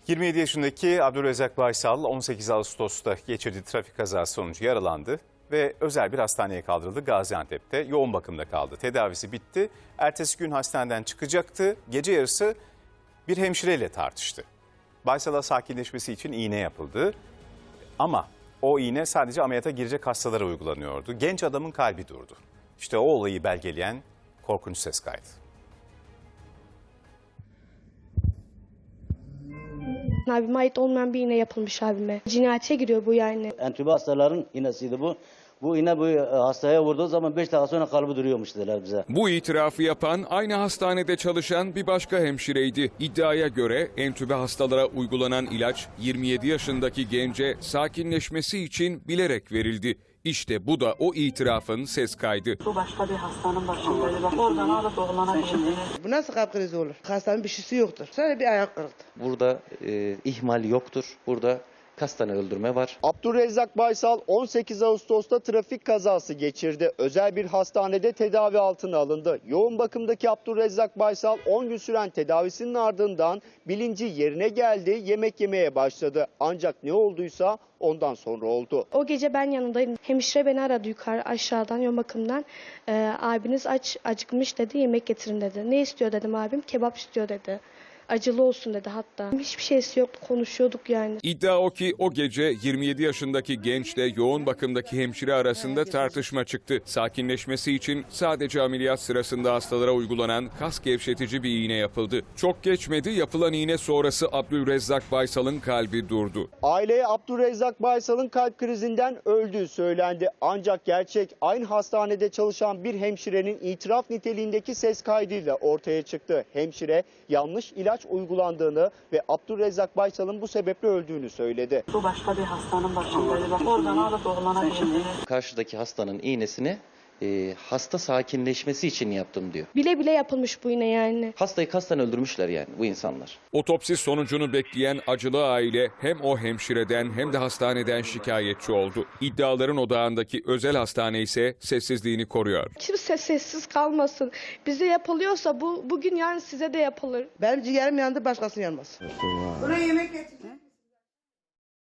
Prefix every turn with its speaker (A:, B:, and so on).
A: 27 yaşındaki Abdülrezzak Baysal 18 Ağustos'ta geçirdiği trafik kazası sonucu yaralandı ve özel bir hastaneye kaldırıldı. Gaziantep'te yoğun bakımda kaldı. Tedavisi bitti. Ertesi gün hastaneden çıkacaktı. Gece yarısı bir hemşireyle tartıştı. Baysal'a sakinleşmesi için iğne yapıldı. Ama o iğne sadece ameliyata girecek hastalara uygulanıyordu. Genç adamın kalbi durdu. İşte o olayı belgeleyen korkunç ses kaydı.
B: Abime ait olmayan bir iğne yapılmış abime. Cinayete giriyor bu yani.
C: Entübe hastaların iğnesiydi bu. Bu iğne bu hastaya vurduğu zaman 5 dakika sonra kalbi duruyormuş dediler bize.
D: Bu itirafı yapan aynı hastanede çalışan bir başka hemşireydi. İddiaya göre entübe hastalara uygulanan ilaç 27 yaşındaki gence sakinleşmesi için bilerek verildi. İşte bu da o itirafın ses kaydı.
E: Bu başka bir hastanın başındaydı. Bak oradan alıp oğlana getirdi.
F: Bu nasıl kalp krizi olur? Hastanın bir şeysi yoktur. Sadece bir ayak kırıldı.
G: Burada ihmal yoktur. Burada kasten öldürme var.
H: Abdülrezzak Baysal 18 Ağustos'ta trafik kazası geçirdi. Özel bir hastanede tedavi altına alındı. Yoğun bakımdaki Abdülrezzak Baysal 10 gün süren tedavisinin ardından bilinci yerine geldi, yemek yemeye başladı. Ancak ne olduysa ondan sonra oldu.
B: O gece ben yanındaydım. Hemşire beni aradı yukarı aşağıdan yoğun bakımdan. Abiniz acıkmış dedi, yemek getirin dedi. Ne istiyor dedim abim, kebap istiyor dedi. Acılı olsun dedi hatta. Hiçbir şeysi yoktu, konuşuyorduk yani.
D: İddia o ki o gece 27 yaşındaki gençle yoğun bakımdaki hemşire arasında tartışma çıktı. Sakinleşmesi için sadece ameliyat sırasında hastalara uygulanan kas gevşetici bir iğne yapıldı. Çok geçmedi, yapılan iğne sonrası Abdülrezzak Baysal'ın kalbi durdu.
H: Aileye Abdülrezzak Baysal'ın kalp krizinden öldüğü söylendi. Ancak gerçek aynı hastanede çalışan bir hemşirenin itiraf niteliğindeki ses kaydıyla ortaya çıktı. Hemşire yanlış ilaç uygulandığını ve Abdülrezzak Baysal'ın bu sebeple öldüğünü söyledi.
E: Bu başka bir hastanın başındaydı. Bak oradan alıp oğlana getirdi.
G: Karşıdaki hastanın iğnesini hasta sakinleşmesi için yaptım diyor.
B: Bile bile yapılmış bu iğne yani.
G: Hastayı kasten öldürmüşler yani bu insanlar.
D: Otopsi sonucunu bekleyen acılı aile hem o hemşireden hem de hastaneden şikayetçi oldu. İddiaların odağındaki özel hastane ise sessizliğini koruyor.
B: Kimse sessiz kalmasın. Bize yapılıyorsa bugün yani size de yapılır.
F: Benim ciğerim yandı, başkasının yanmaz.
I: Buraya yemek getir.